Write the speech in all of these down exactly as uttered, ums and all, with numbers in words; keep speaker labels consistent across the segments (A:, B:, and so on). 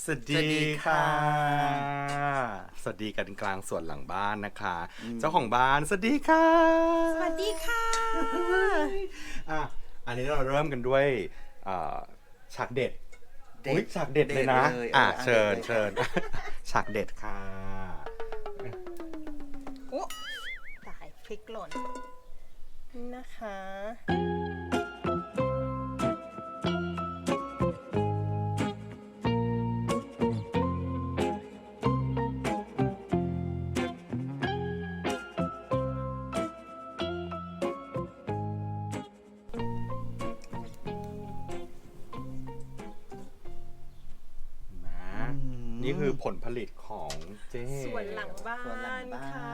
A: สวัสดีค่ะ สวัสดีกันกลางสวนหลังบ้านนะคะ เจ้าของบ้านสวัสดีค่ะ
B: สวัสดีค่ะ
A: อ่ะอันนี้เราเริ่มกันด้วยฉากเด็ดอุ้ยฉากเด็ดเลยนะอ่ะเชิญเชิญฉากเด็ดค่ะ
B: โอ้ตายพริกหล่นนะคะ
A: นี่คือผลผลิตของเจ๊
B: ส่วนหลังบ้านค่ะ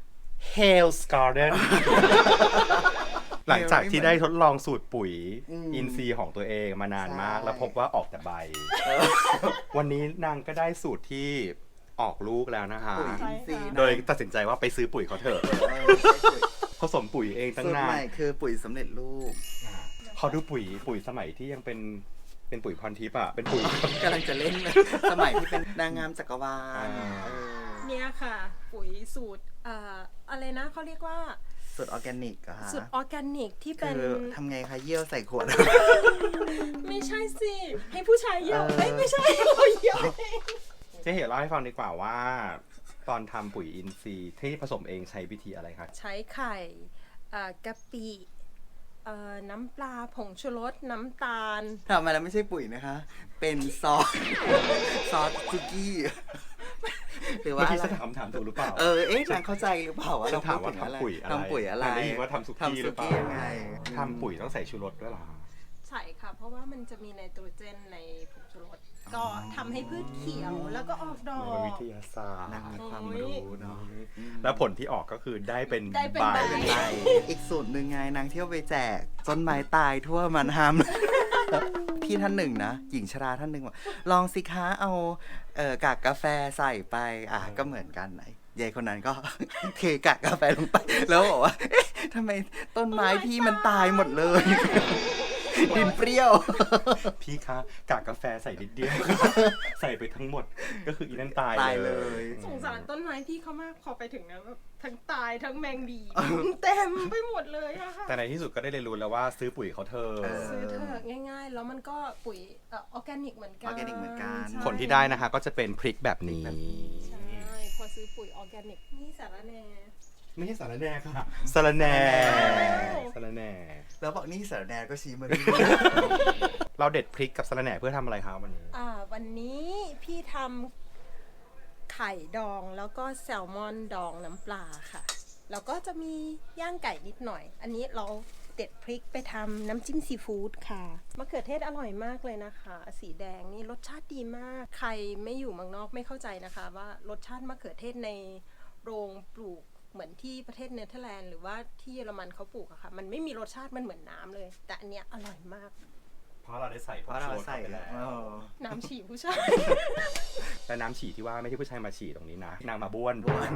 A: Hell's Garden หลังจากที่ได้ทดลองสูตรปุ๋ยอินทรีย์ของตัวเองมานานมากแล้วพบว่าออกแต่ใบ วันนี้นางก็ได้สูตรที่ออกลูกแล้วนะคะโดยตัดสินใจว่าไปซื้อปุ๋ยเขาเถอะผสมปุ๋ยเองตั้งนาน
C: สูตรใหม่คือปุ๋ยสำเร็จรูป
A: เขาดูปุ๋ยปุ๋ยสมัยที่ยังเป็นเป็นปุ๋ยพรทิพย์อะเป็นปุ๋ย
C: กำลังจะเล่นสมัยที่เป็นนางงามจักรวาล
B: เนี่ยค่ะปุ๋ยสูตรอะไรนะเขาเรียกว่า
C: สูตรออร์แกนิกอะค่ะ
B: สูตรออร์แกนิกที่เป็น
C: ทำไงคะเยี่ยวใส่ขวด
B: ไม่ใช่สิให้ผู้ชายเยี่ยวไม่ใช่เราเยี่ยว
A: เจ๊เหี่ยวเล่าให้ฟังดีกว่าว่าตอนทำปุ๋ยอินทรีย์ที่ผสมเองใช้วิธีอะไรคะ
B: ใช้ไข่กะปิน้ำปลาผงชูรสน้ำตาล
C: ทำมาแล้วไม่ใช่ปุ๋ยนะคะเป็นซอสซอสซุกี้
A: หรือว่าเมื่อกี้ฉันถามถามถูกหรือเปล่า
C: เออเอ๊ะนางเข้าใจหรือเปล่าว่า
A: เราถามว่าทำปุ๋ยอะไร
C: ทำปุ๋ยอะไร
A: ได้ยินว่าทำซุกี้หรือเปล่า
C: ไง
A: ทำปุ๋ยต้องใส่ชูรสด้วยหรอ
B: ใช่ค่ะเพราะว่ามันจะมีไนโตรเจนในผงชูรสก็ทำให้พืชเขียวแล้วก็ออกดอก
A: วิทยาศาสตร์
C: นางมีความรู้เนาะ
A: แล้วผลที่ออกก็คือได้เป็นใบ
C: อีกสูตรหนึ่งไงนางเที่ยวไปแจกต้นไม้ตายทั่วมันทำพี่ท่านหนึ่งนะหญิงชราท่านหนึ่งบอกลองสิคะเอาเอ่อกากกาแฟใส่ไปอ่ะก็เหมือนกันไหนยายคนนั้นก็เทกากกาแฟลงไปแล้วบอกว่าเอ๊ะทำไมต้นไม้พี่มันตายหมดเลยดินเปรี้ยว
A: พี่คะกากกาแฟใส่นิดเดียวใส่ไปทั้งหมดก็คืออีนั่นตาย
C: เลย
B: สงสารต้นไม้พี่เขามากพอไปถึงนะแบบทั้งตายทั้งแมงดีเต็มไปหมดเลยอะค่ะ
A: แต่ในที่สุดก็ได้เรียนรู้แล้วว่าซื้อปุ๋ยเขาเธอ
B: ซื้อเธอง่ายๆแล้วมันก็ปุ๋ยออร์แกนิกเหมือนกัน
C: ออร์แกนิกเหมือนกัน
A: ผลที่ได้นะคะก็จะเป็นพริกแบบนี้
B: ใช่พอซื้อปุ๋ยออร์แกนิกนี่สารแหน่
A: ไม่ใช่สารแหน่ค่ะสารแหน่สารแหน่
C: แล้วบอกนี่สารแหน่ก็ชี้มา
A: เราเด็ดพริกกับสารแหน่เพื่อทำอะไรคะวันนี้
B: อ่าวันนี้พี่ทำไข่ดองแล้วก็แซลมอนดองน้ำปลาค่ะแล้วก็จะมีย่างไก่นิดหน่อยอันนี้เราเด็ดพริกไปทำน้ำจิ้มซีฟู้ดค่ะมะเขือเทศอร่อยมากเลยนะคะสีแดงนี่รสชาติดีมากใครไม่อยู่เมืองนอกไม่เข้าใจนะคะว่ารสชาติมะเขือเทศในโรงปลูกเหมือนที่ประเทศเนเธอร์แลนด์หรือว่าที่เยอรมันเขาปลูกอะค่ะมันไม่มีรสชาติมันเหมือนน้ำเลยแต่อันเนี้ยอร่อยมาก
A: เพราะเราได้ใส่
C: เพราะเราใส่แล้ว
B: น้ำฉี่ผู้ชาย
A: แต่น้ำฉี่ที่ว่าไม่ใช่ผู้ชายมาฉี่ตรงนี้นะนางมาบ้วนบ้วน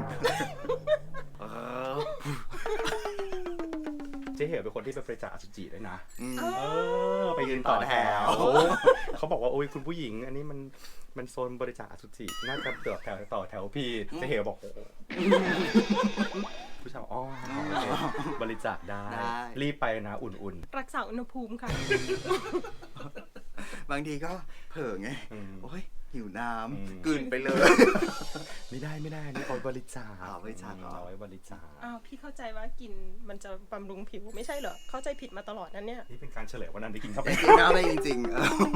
A: เจ๊เหี่ยวเป็นคนที่ไปบริจาคอสุจิด้วยนะไปยืนต่อแถวเขาบอกว่าโอ้ยคุณผู้หญิงอันนี้มันมันโซนบริจาคอสุจิน่าจะเดือดแถวต่อแถวพี่เจ๊เหี่ยวบอกโอ้ผู้ชายอ๋อบริจาคได้รีบไปนะอุ่น
B: ๆรักษาอุณหภูมิค่ะ
C: บางทีก็เผลอไงโอ้ยหิวน้ำกืนไปเลย
A: ไม่ได้ไม่ได้นี่เอาบริจาค
C: เอาบริจาค
A: เอาไว้บริจาค
B: อ้าวพี่เข้าใจว่ากินมันจะบำรุงผิวไม่ใช่เหรอเข้าใจผิดมาตลอดนั่นเนี่ย
A: นี่เป็นการเฉลยว่านั้นได้กินเข้าไป
C: กินเข้าไปจริงๆ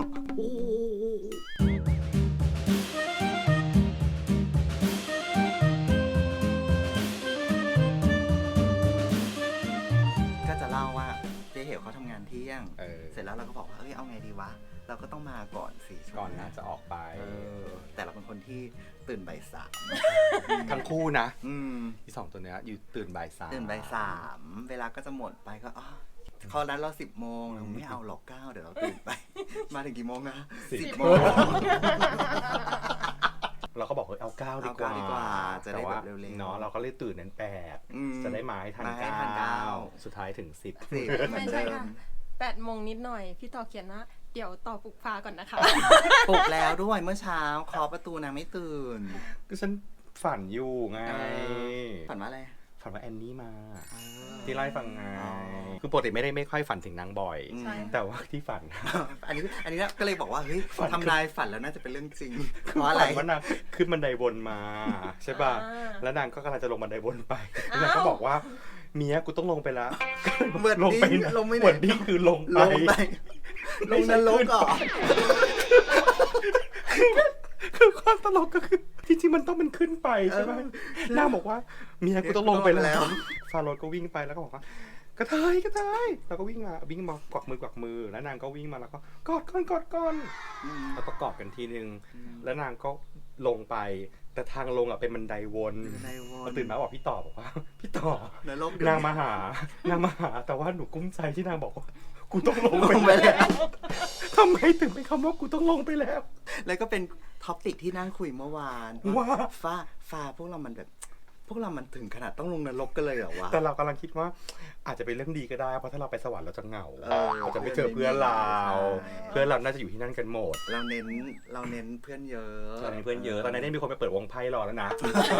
C: ก็จะเล่าว่าเจ๊เหี่ยวเขาทำงานเที่ยงเสร็จแล้วเราก็บอกว่าเอ้ยเอาไงดีวะเราก็ต้องมาก่อนสิ
A: ก่อนนะจะออกไป
C: แต่เราเป็นคนที่ตื่นบ่ายสาม
A: ทั้งคู่นะที่สองตัวเนี้ยอยู่ตื่นบ่ายสาม
C: ตื่นบ่ายสามเวลาก็จะหมดไปก็อ๋อเขานัดเราสิบโมงเราไม่เอาหรอกเก้าเดี๋ยวเราตื่นไปมาถึงกี่โมงนะสิบโมง
A: เราก็บอกเออเอาเก้าดีกว่าจะได้แบบเร็วๆเนาะเราก็เลยตื่นนั้นแปดจะได้มาให้ทันเก้าสุดท้ายถึงสิบ
B: ไม่ใช่ค่ะแปดโมงนิดหน่อยพี่ต่อเขียนนะเดี๋ยวต่อปลุกฟ้าก่อนนะคะ
C: ปลุกแล้วด้วยเมื่อเช้าเคาะประตูนางไม่ตื่น
A: ก็ฉันฝันอยู่ไง
C: ฝันว่าอะไร
A: ฝันว่าแอนนี่มา
C: อ่า
A: ที่ไล่าให้ฟังไง
C: อ๋อ
A: คือปกติไม่ได้ไม่ค่อยฝันถึงนางบ่อย
C: อืม
B: ใช่
A: แต่ว่าที่ฝัน
C: อันนี้อันนี้ก็เลยบอกว่าเฮ้ย
A: ฝัน
C: ทำนายฝันแล้วน่าจะเป็นเรื่องจริงเพราะอะไร
A: ฝันว่านางขึ้นบันไดวนมาใช่ป่ะ
B: อ่า
A: แล้วนางก็กำลังจะลงบันไดวนไป
B: อ้าว
A: แล้วนางก็บอกว่าเมียกูต้องลงไปแล้ว
C: เหมือน
A: ลงไป
C: ดิ้งลงไม่ไหน
A: เหมือนดิ้งคือลงไป
C: ลงไปลงนรกเหรอ
A: คือความตลกก็คือจริงๆมันต้องเป็นขึ้นไปใช่ไหม
C: เออ
A: นางบอกว่าเมียกูต้องลงไป
C: ลงไปแล้
A: แล้ว
C: ว
A: ฟาโรห์ก็วิ่งไปแล้วก็บอกว่ากระเทยกระเทยแล้วก็วิ่งมาวิ่งมากวักมือกวักมือแล้วนางก็วิ่งมาแล้วก็กอดก้อนกอดก้อน
C: อืม
A: แล้วก็กอดกันทีนึง
C: อืม
A: แล้วนางก็ลงไป แต่ทางลงอ่ะเป็นบันไดวน
C: บันไดวน
A: พอตื่นมาบอกพี่ต่อบอกว่า พี่ต่อน
C: รกเดี๋ยวน
A: างมาหานางมาหา แต่ว่าหนูกุ้มใจที่นางบอกว่ากูต้องลง
C: ลง
A: ไป
C: ไป
A: แล้ว
C: แล้ว
A: ทำไมถึงเป็นคำว่ากูต้องลงไปแล้ว
C: แล้วก็เป็นท็อปิกที่นั่งคุยเมื่อวาน
A: ว่า
C: ฟ้าฟ้าพวกเรามันแบบ พวกเรามันถึงขนาดต้องลงนรกกันเลยเหรอวะ
A: แต่เรากำลังคิดว่าอาจจะเป็นเรื่องดีก็ได้เพราะถ้าเราไปสวรรค์เราจะเหงา
C: เออ
A: เราจะไม่เจอเพื่อนเรา
C: ใช่
A: เพื่อนเราน่าจะอยู่ที่นั่นกันหมด
C: เราเน้นเราเน้นเพื่อนเยอะ
A: เรามีเพื่อนเยอะตอนนั้นได้มีคนไปเปิดวงไพ่รอแล้วนะ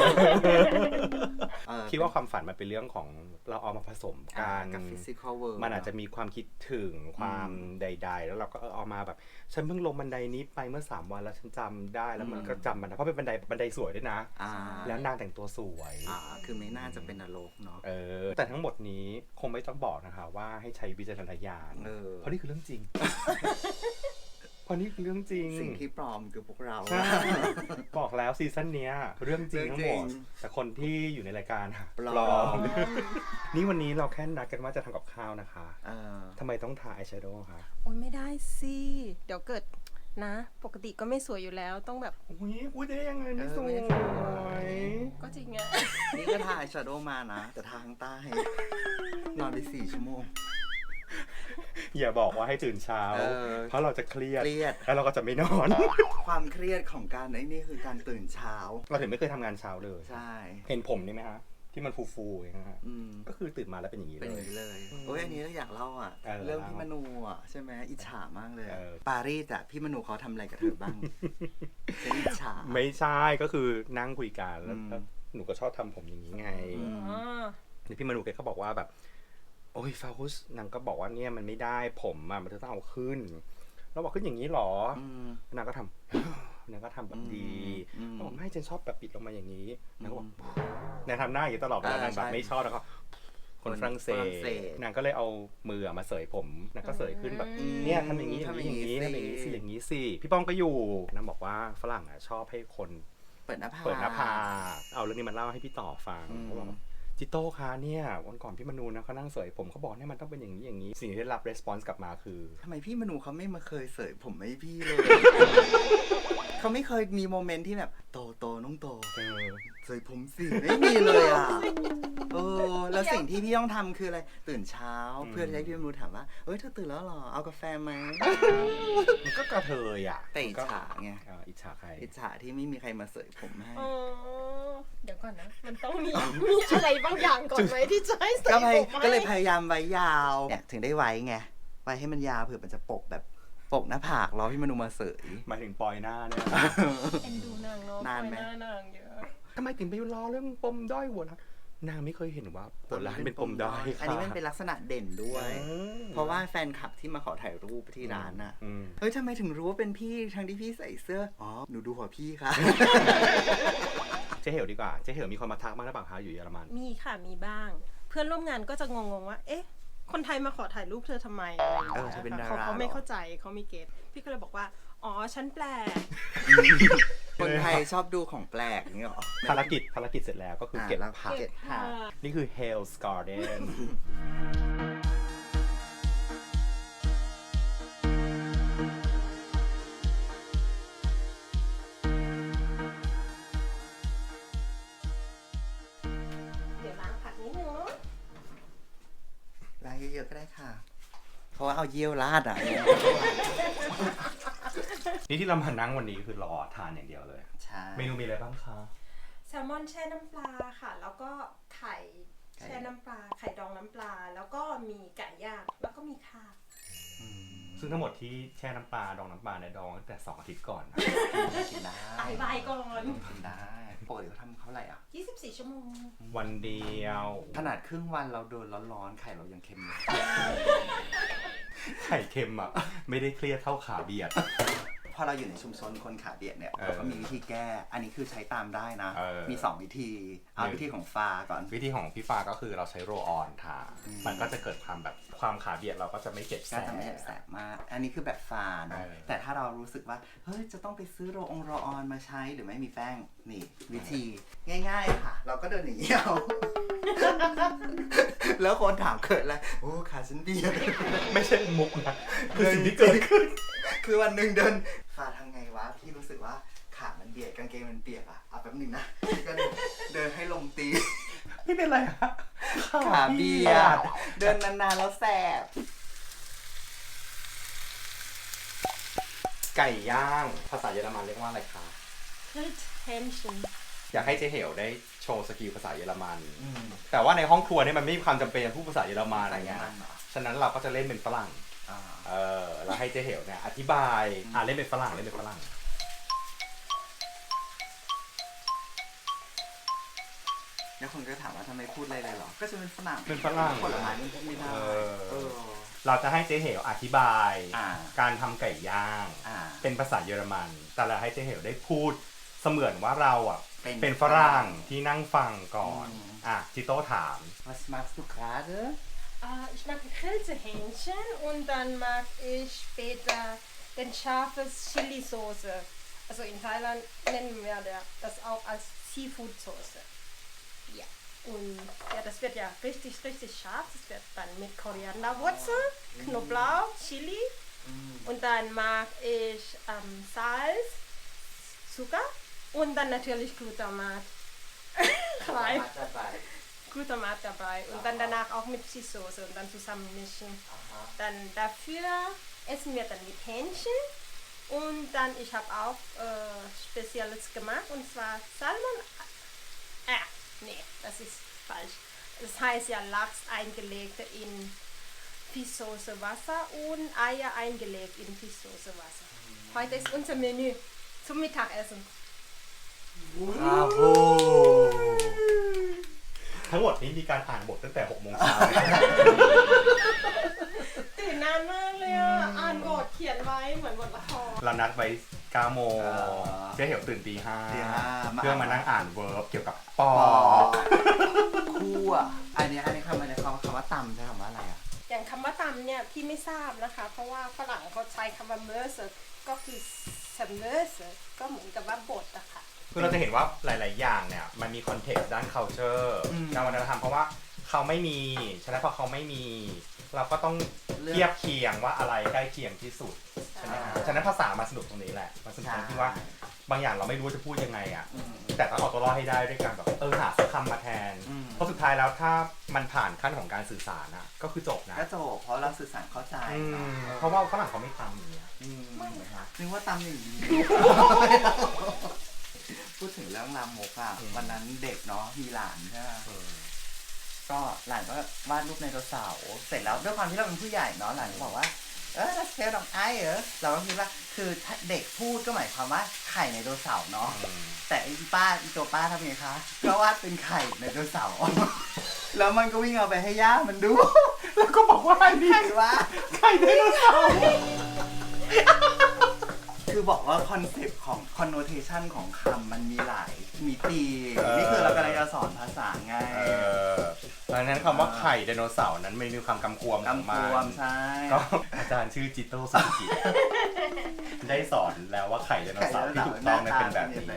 C: เออ
A: คิดว่าความฝันมันเป็นเรื่องของเราเอามาผสม
C: อ่า
A: กัน
C: กับฟิสิกอลเวิร์
A: มันอาจจะมีความคิดถึงความใด ๆ แล้วเราก็เอามาแบบ ฉันเพิ่งลงบันไดนี้ไปเมื่อสามวันแล้วฉันจำได้แล้วมันก็จำมันนะเพราะเป็นบันไดบันไดสวยด้วยนะ
C: อ่า
A: แล้วนางแต่งตัวสวย
C: อ่าคือไม่น่าจะเป็นนรกเนาะ
A: เออแต่ทั้งหมดนี้คงไม่ต้องบอกนะคะว่าให้ใช้วิจารณญาณ
C: เออ
A: เพราะนี่คือเรื่องจริง เพราะนี่คือเรื่องจริง
C: สิ่งที่ปลอมคือพวกเรา
A: ใช่บอกแล้วซีซั่นเนี้ยเรื่องจริงทั้งหมด
C: เรื่องจริง
A: แต่คนที่อยู่ในรายการอะ
C: ปลอม
A: นี่วันนี้เราแค่นัดกันว่าจะทำกับข้าวนะคะ
C: เออ
A: ทำไมต้องทาอายแชโดว์คะ
B: โอ้ยไม่ได้สิ เดี๋ยวเกิดนะ ปกติก็ไม่สวยอยู่แล้วต้องแบบ
A: อุ้ยพูดได้ยังไงไม่ส
C: เออ
A: ว
C: ไม่
A: ย
C: สวย
B: ก็จริงอะ
C: นี่ก็ทาอายแชโดว์มานะ แต่ทาข้างใต้ นอนไปสี่ชั่วโมง
A: อย่าบอกว่าให้ตื่นเช้า
C: เออ
A: เพราะเราจะเครียด
C: เครียด
A: แล้วเราก็จะไม่นอน
C: ความเครียดของการไอ้นี่คือการตื่นเช้า
A: เราถึงไม่เคยทำงานเช้าเลย
C: ใช่
A: เห็นผมนี่ไหมฮะที่มันฟูๆอย่างเงี้ยฮะ
C: อืม
A: ก็คือตื่นมาแล้วเป็นอย่างนี้
C: เป็น
A: เล
C: อย ย่างนี้เลย
A: อืม
C: โอ้ยอันนี้เราอยากเล่าอ่ะ
A: เออ
C: เรื่องพี่มนูอ่ะใช่ไหมอิจฉามากเลย
A: เอ
C: อะ
A: อ
C: ปารีสอ่ะพี่มนูเขาทำอะไรกับเธอบ้าง ฉันอิจฉา
A: ไม่ใช่ก็คือนั่งคุยกันแล้ว
C: อืม
A: แล้วหนูก็ชอบทำผมอย่างนี้ไง
C: อืม
B: อ๋อ
A: นี่พี่มนูแกก็บอกว่าแบบ โอ้ยฟาคุสนางก็บอกว่าเนี่ยมันไม่ได้ผมอ่ะมันต้องเอาขึ้น แล้วบอกขึ้นอย่างนี้หรอ
C: อืม
A: นางก็ทำ นางก็ทำแบบดี
C: อืม
A: แล้วบอกไม่ฉันชอบแบบปิดลงมาอย่างนี้นางก็บอกนางทำหน้าอย่างนี้ตลอดเวลา
C: อ่าน
A: างแบบ
C: ใช่
A: ไม่ชอบแล้วก็คนฝรั่งเศ
C: ฝรั่งเศ
A: ส
C: ส
A: นางก็เลยเอามือมาเสยผมนางก็เสยขึ้นแบบ
B: อืม
A: เนี่ยทำอย่างนี้อย่างนี้อย่างนี้ทำอย่างนี้สิอย่างนี้สิพี่ป้องก็อยู่นางบอกว่าฝรั่งอ่ะชอบให้คน
C: เปิดหน้าผาก
A: เปิดหน้าผากเอาเรื่องนี้มาเล่าให้พี่ต่อฟัง
C: อืม
A: เขาบอกจิโต้คะเนี่ยวันก่อนพี่มนูนะเขานั่งเสยผมเขาบอกเนี่ยมันต้องเป็นอย่างนี้อย่างนี้ สิ่งที่ได้รับรีสปอนส์กลับมาคือ
C: ทำไมพี่มนูเขาไม่มาเคยเสยผมให้พี่เลย เขาไม่เคยมีโมเมนต์ที่แบบโตโตน้องโต
A: เออ
C: เสยผมสิไม่มีเลยอ่ะเออแล้วสิ่งที่พี่ต้องทำคืออะไรตื่นเช้า
A: อืม
C: เพื่อจะให้พี่มนูถามว่าเอ้ยเธอตื่นแล้วเหรอเอากาแฟไหม
A: มันก็กระเทยอ่ะ
C: แต่อิจฉาไง
A: อ่าอิจฉาใคร
C: อิจฉาที่ไม่มีใครมาเสยผมให้
B: อ๋อเดี๋ยวก่อนนะ มันต้องมี มีอะไรบางอย่างก่อนไหมที่จะให้ใส่
C: ก็
B: ผม
C: พย
B: ให้
C: ก็เลยพยายามไว้ยาวเนี่ยถึงได้ไว้ไงไว้ให้มันยาวเผื่อมันจะปกแบบปกหน้าผากรอพี่มนูมาเสย
A: หมายถึงปลอยหน้าเนี่ย
B: เอ็นดูนางเนาะ
C: นานไหม
B: ปล่อยน้นางเยอะ
A: ทำไมถึงไปรอเรื่องปมด้อยหัวร้านนางไม่เคยเห็นว่าหัวร้านเป็นปมด้อยค่ะ
C: อันนี้มันเป็นลักษณะเด่นด้วย
A: อืม
C: เพราะว่าแฟนคลับที่มาขอถ่ายรูปที่ร้านน่ะ
A: อืม
C: เฮ้ยทำไมถึงรู้ว่าเป็นพี่ทั้งที่พี่ใส่เสื้อ อ๋อ หนูดูหัวพี่ค่ะ
A: เจ๊เหวดีกว่า เจ๊เหวมีคนมาทักมากหรือเปล่าคะอยู่เยอรมัน
B: มีค่ะมีบ้าง เพื่อนร่วมงานก็จะงงๆว่า เอ๊ะ คนไทยมาขอถ่ายรูปเธอทำไมอะไรอย่าง
C: เอ
B: เงี้
C: อย เธอเป็นดารา
B: เขาเขาไม่
C: เหรอ
B: เข้าใจเขาไม่เก็ตพี่ก็เลยบอกว่า อ๋อ ฉันแปลก
C: คนไทยชอบดูของแปลกอย่างเงี้ยหรอ
A: ภารกิจภารกิจเสร็จแล้วก็คือเก็บ
C: แล้ว
A: ผัก
C: เก็บผัก
A: นี่คือ Hell's Garden
B: เดี๋ยวล้างผักนิดนึงเนาะ
C: ลายเยอะๆก็ได้ค่ะ เพราะว่าเอาเยี่ยวราดอ่ะ
A: นี่ที่เรามานั่งวันนี้คือรอทานอย่างเดียวเลย
C: ใช่
A: เมนูมีอะไรบ้างคะ
B: แซลมอนแช่น้ำปลาค่ะ แล้วก็ไข่
C: ไก่
B: แช่น้ำปลา ไข่ดองน้ำปลา แล้วก็มีไก่ย่าง แล้วก็มีข้าว
A: ซึ่งซึ่งทั้งหมดที่แช่น้ำปลาดองน้ำปลาเนี่ยดองตั้งแต่สองอาทิตย์ก่อน
C: กินได้
B: อธิบายก่อน
C: กินได้ปกติเขาทำเท่าไหร่อ่ะ
B: ยี่สิบสี่ ชั่วโมง
A: วันเดียว
C: ขนาดครึ่งวันเราโดนร้อนๆไข่เรายังเค็มเลย
A: ไข่เค็มอ่ะ ไม่ได้เครียดเท่าขาเบียด
C: พอเราอยู่ในชุมชนคนขาเดียดเนี่ย
A: เออ
C: เราก็มีวิธีแก้ อันนี้คือใช้ตามได้นะ
A: เออ
C: มีสองวิธี เอา
A: หนึ่ง
C: วิธีของฟ้าก่อน
A: วิธีของพี่ฟ้าก็คือเราใช้โรลออนทา
C: อืม
A: มันก็จะเกิดความแบบความขาเบียดเราก็จะไม่เจ็บแส
C: ก็
A: บ
C: จะไม่เจ็บแสบมาก อันนี้คือแบบฟ้าเนอะ
A: เออ
C: แต่ถ้าเรารู้สึกว่า เฮ้ย จะต้องไปซื้อโรองโรออนมาใช้หรือไม่มีแป้ง นี่ วิธีง่าย ๆ ค่ะ เราก็เดินหนีเอา แล้วคนถามเกิดอะไร โอ้ขาฉันเบียด
A: ไม่ใช่มุกนะคือสิ่งที่เกิดขึ้น
C: คือวันหนึ่งเดินฟ้าทำไงวะพี่รู้สึกว่าขามันเบียดกางเกงมันเปียกอะเอาแป๊บหนึงนะก็เดินเดินให้ลมตี
A: ไม่เป็นไรฮะ
C: ขาเบียดเดินนานๆแล้วแสบ
A: ไก่ย่างภาษาเยอรมันเรียกว่าอะไรคะ
B: Grillhähnchen
A: อยากให้เจ๊เหวได้โชว์สกิลภาษาเยอรมัน
C: อืม
A: แต่ว่าในห้องครัวเนี่ยมันไม่มีความจำเป็นจะพูดภาษาเยอรมันอะไรเงี้ย
C: ภาษาเยอรมันเหรอ
A: ฉะนั้นเราก็จะเล่นเป็นฝรั่ง
C: อ่า
A: เออแล้วให้เจ๊เหวเนี่ยอธิบายอ่าเล่นเป็นฝรั่งเล่นเป็นฝรั่ง
C: แล้วคนก็ถามว่าทำไมพูดอะไรเลยเหรอ ก็จะเป็นฝรั่ง
A: เป็นฝรั่ง
C: ผลไม้มันพูดไม่ได้
A: เออ
C: เออ
A: เราจะให้เจ๊เหวอธิบาย
C: อ่า
A: การทำไก่ย่าง
C: อ่า
A: เป็นภาษาเยอรมัน แต่เราให้เจ๊เหวได้พูดเสมือนว่าเราอ่ะ
C: เป็น
A: เป็นฝรั่งที่นั่งฟังก่อน
C: อืม
A: อ่ะจิโต้ถาม
C: Was machst du gerade?
B: Äh, ich mag gegrillte Hähnchen und dann mag ich später den scharfes Chili-Soße. Also in Thailand nennen wir das auch als Seafood-Soße. Ja. Und ja, das wird ja richtig, richtig scharf. Das wird dann mit Korianderwurzel, Knoblauch, Chili. Und dann mag ich ähm, Salz, Zucker und dann natürlich Glutamat. Rein. Glutamat dabei und dann danach auch mit Cheese-Soße und dann zusammenmischen. Dann dafür essen wir dann mit Hähnchen und dann ich habe auch äh, Spezielles gemacht und zwar Salmon. Äh, nee, das ist falsch. Das heißt ja Lachs eingelegt in Fischsoße Wasser und Eier eingelegt in Fischsoße Wasser. Heute ist unser Menü zum Mittagessen.
C: Bravo
A: ทั้งหมดนี้มีการอ่านบทตั้งแต่หกโมงเช้า
B: ตื่นนานมากเลยอ่ะ อ่านบทเขียนไว้เหมือนบทละคร
A: เรานัดไว้เก้าโมง
C: อ่า
A: เจ๊เหวตื่นตีห้า
C: ตีห้ามา
A: เพื่อมานั่งอ่านเวิร์บเกี่ยวกับปอ
C: คั่วอันนี้อันนี้คำอะไรคำคำว่าตำใช้คำว่าอะไรอ่ะ
B: อย่างคำว่าตำเนี่ยพี่ไม่ทราบนะคะ เพราะว่าฝรั่งเขาใช้คำว่า mercer ก็คือ submerser ก็เหมือนกับว่าบทอะค่ะ
A: คือเราจะเห็นว่าหลาย ๆ อย่างเนี่ยมันมีคอนเทกต์ด้าน culture
C: อืม
A: ด้านวัฒนธรรมเพราะว่าเขาไม่มี ฉะนั้นพอเขาไม่มี เราก็ต้อง
C: เลือก
A: เทียบเคียงว่าอะไรใกล้เคียงที่สุดใช่ไหมฮะ
C: อ่า
A: ฉะนั้นภาษามาสนุกตรงนี้แหละมันสนุกตรงที่ว่าบางอย่างเราไม่รู้จะพูดยังไงอ่ะ
C: อืม
A: แต่ต้องเอาตัวรอดให้ได้ด้วยการแบบเออหาสักคำมาแทน
C: อืม
A: เพราะสุดท้ายแล้วถ้ามันผ่านขั้นของการสื่อสารอะก็คือจบนะ
C: ก็จบเพราะเราสื่อสารเข้าใจ
A: อื
C: เน
A: ม
C: อะ
A: เพราะว่าฝรั่งเขาไม่ทำอย่างเงี้ย
C: อืมนึกว่าตำอย่างนี้ พูดถึงเรื่องรามกอ่ะ
A: อืม
C: วันนั้นเด็กเนาะมีหลานใช่ไหม
A: เออ
C: ก็หลานก็วาดรูปไดโนเสาร์เสร็จแล้วด้วยความที่เราเป็นผู้ใหญ่เนาะหลานก็บอกว่าเออแล้วเซลล์ดอกไอ้เหรอเราก็คิดว่าคือถ้าเด็กพูดก็หมายความว่าไข่ไดโนเสาร์เนาะ
A: อืม
C: แต่ไอ้ป้าอีตัวป้าทำไงคะก็วาดเป็นไข่ไดโนเสาร์ แล้วมันก็วิ่งเอาไปให้ย่ามันดู
A: แล้วก็บอกว่านี่
C: ไข่ว่า
A: ไข่ไดโนเสาร์
C: คือบอกว่าคอนเซปต์ของ connotation ของคำมันมีหลายมิตินี่คือเรากำลังจะสอนภาษาไง
A: เออดังนั้นคำว่าไข่ไดโนเสาร์นั้นไม่มีความกำกวมของ
C: กำก
A: มัน
C: วมใช่
A: ก็อาจารย์ชื่อจิโต้สุกิ ได้สอนแล้วว่าไข่ไดโนเสาร์ที่ถูกต้องเนี่ยเป็นแบบนี้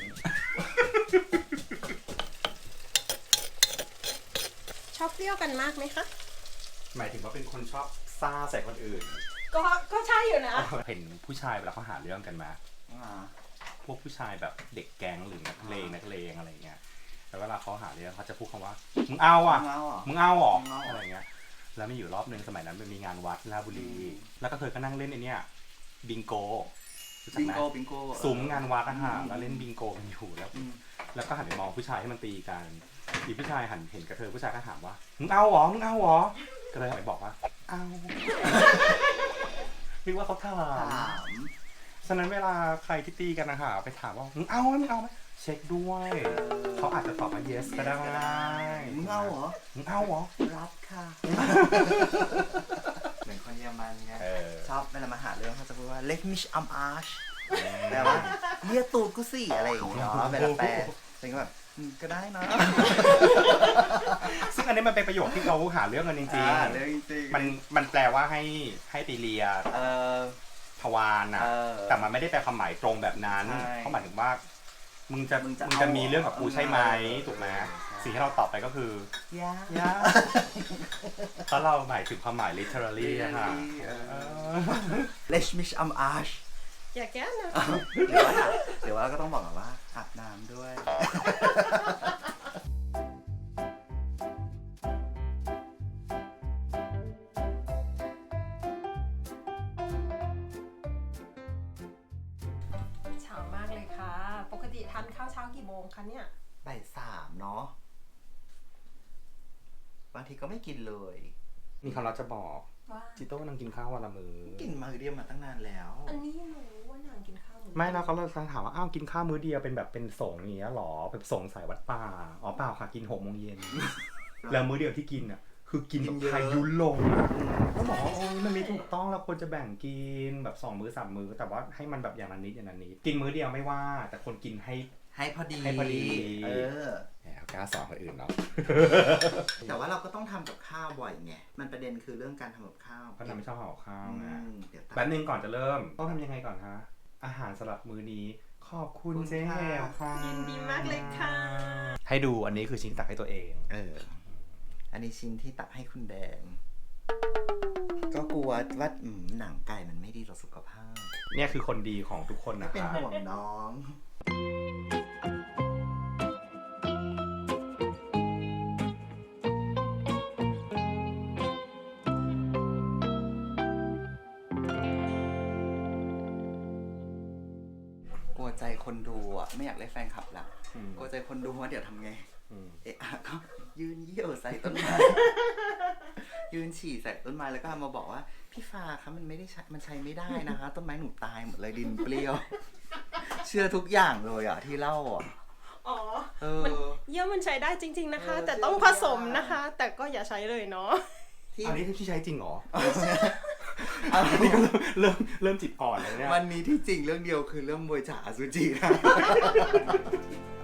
B: ชอบเปรี้ยวกันมากไหมคะ
A: หมายถึงว่าเป็นคนชอบซ่าใส่คนอื่น
B: ก็ก็ใช่อยู่นะ
A: เห็นผู้ชายเวลาเขาหาเรื่องกันมา
C: อ่า
A: พวกผู้ชายแบบเด็กแก๊งหรือนักเลงนักเลงอะไรเงี้ยแล้วเวลาเขาหาเรื่องเขาจะพูดคำว่ามึงเอาอ่ะ
C: มึงเอาเหรอ
A: มึงเอาเหรอ
C: มึงเอาเหรออ
A: อะไรเงี้ยแล้วมีอยู่รอบนึงสมัยนั้นมันมีงานวัดราชบุรี แล้วก็เธอก็นั่งเล่นไอ้เนี้ยบิงโกรู้จัก
C: บิง
A: ไหม
C: โกบิงโก
A: ซุ้มงานวัดอาหาร
C: อืม
A: แล้วเล่นบิงโกกันอยู่แล้ว
C: อืม
A: แล้วก็หันไปมองผู้ชายให้มันตีกันอีกผู้ชายหันเห็นกระเทยผู้ชายก็ถามว่ามึงเอาเหรอมึงเอาเหรอก็เลยหันไปบอกว่าเอา มีคิดว่าเขาถา
C: ถาม ม
A: ฉะนั้นเวลาใครที่ตีกันนะคะไปถามว่ามึงเอาไหมมึงเอาไหมเช็คด้วย เขาอาจจะตอบว่า yes ก็ได้
C: มึงเอาเหรอ
A: มึงเอาเหรอ
C: รับค่ะ เหมือนคนเยอรมันไง
A: เออ
C: ชอบเวลามาหาเรื่องเขาจะพูดว่า leg mich am Arsch แปลว่าเลียตูดกูสิอะไรอย่างเงี้ยเนาะเวลาแปลฉันก็แบบอืมก็ได้นะ
A: ซึ่งอันนี้มันเป็นประโยคที่เขาหาเรื่องกันจริง
C: อ่าเรื่องจริง
A: ๆ มันมันแปลว่าให้ให้ไปเลีย
C: เออ
A: ทวารน่ะ
C: เออ
A: แต่มันไม่ได้แปลความหมายตรงแบบนั้น
C: ใช่
A: เขาหมายถึงว่า มึงจะ
C: มึงจะ
A: มึงจะ
C: เอา
A: มีเรื่องกับกูใช่ไหม
C: เออ
A: ถูกไหม
C: ใช่
A: สิ่งที่เราตอบไปก็คือ
C: ยา
A: ยาเพราะเราหมายถึงความหมาย literally อะค่ะ
C: literally เออ
A: เออ
C: leg mich am Arsch
B: อย่าแก้นะ
C: หรือว่าหรือว่าก็ต้องบอกแบบว่าอาบน้ำด้วย
B: เช้ามากเลยค่ะ ปกติทานข้าวเช้ากี่โมงคะเนี่ย
C: บ่ายสามเนาะบางทีก็ไม่กินเลย
A: มีคำรับจะบอก
B: ว่า
A: จิโต้นั่งกินข้าววันละมือ
C: กินมื้อเดียวมาตั้งนานแล้ว
B: อันนี้รู้ว่านางกินข้าวมื้อ
A: ไม่แล้วเขาเลยถามว่าอ้าวกินข้าวมื้อเดียวเป็นแบบเป็นสงฆ์อย่างเงี้ยหรอแบบสงฆ์สายวัดป่าอ๋อเปล่าค่ะกินหกโมงเย็น แล้วมื้อเดียวที่กินอ่ะคือกินแบบพายุลงอ่ะก็บอกว่าโอ้ยมันมีถูกต้องเราควรจะแบ่งกินแบบสองมื้อสามมื้อแต่ว่าให้มันแบบอย่างนั้นนิดอย่างนั้นนิดกินมื้อเดียวไม่ว่า แต่คนกินให้
C: ให้พอดี
A: ให้พอดี
C: เออ
A: แหมกล้าสอนคนอื่นเนาะ
C: แต่ว่าเราก็ต้องทำกับข้าวบ่อยไง มันประเด็นคือเรื่องการทำกับข้าว
A: เพราะนำไม่ชอบห่อข้าว
C: อื
A: ไง
C: มเดี๋ยวตาม
A: แป๊บนึงก่อนจะเริ่มต้องทำยังไงก่อนคะอาหารสำหรับมื้อนี้ขอบคุณ
C: ขอบคุณ
A: เจ๊แหวค่ะ
B: ยินดีมากเลยค่ะ
A: ให้ดูอันนี้คือชิ้นตักให้ตัวเอง
C: เออ อันนี้ชิ้นที่ตักให้คุณแดง ก็กลัวว่าอืมหนังไก่มันไม่ดีต่อสุขภาพ
A: เนี่ยคือคนดีของทุกคนนะ
C: เป็น
A: คะ
C: ห่วงน้อง กลัวใจคนดูอ่ะ ไม่อยากได้แฟนคลับละ
A: อืม
C: กลัวใจคนดูว่าเดี๋ยวทำไง
A: อืม
C: เอะอะก็ยืนเยี่ยวใส่ต้นไม้ ยืนฉี่ใส่ต้นไม้แล้วก็มาบอกว่าพี่ฟ้าคะมันไม่ได้ใช้มันใช้ไม่ได้นะคะ ต้นไม้หนูตายหมดเลยดินเปรี้ยว เชื่อทุกอย่างเลยอ่ะที่เล่าอ่ะ
B: อ๋อ
C: เอ
B: มัน
C: อ
B: เยี่ยมมันใช้ได้จริง ๆนะคะ
C: เออ
B: แต่ต้องผสมนะคะ แต่ก็อย่าใช้เลยเนาะ
C: ที่
A: อันนี้ที่ใช้จริงเหรอ
C: เอา
A: อันนี้ก็เริ่มเริ่มจิตอ่อนเลยเนี่ย
C: มันมีที่จริงเรื่องเดียวคือเรื่องมวยฉาอสุจินะ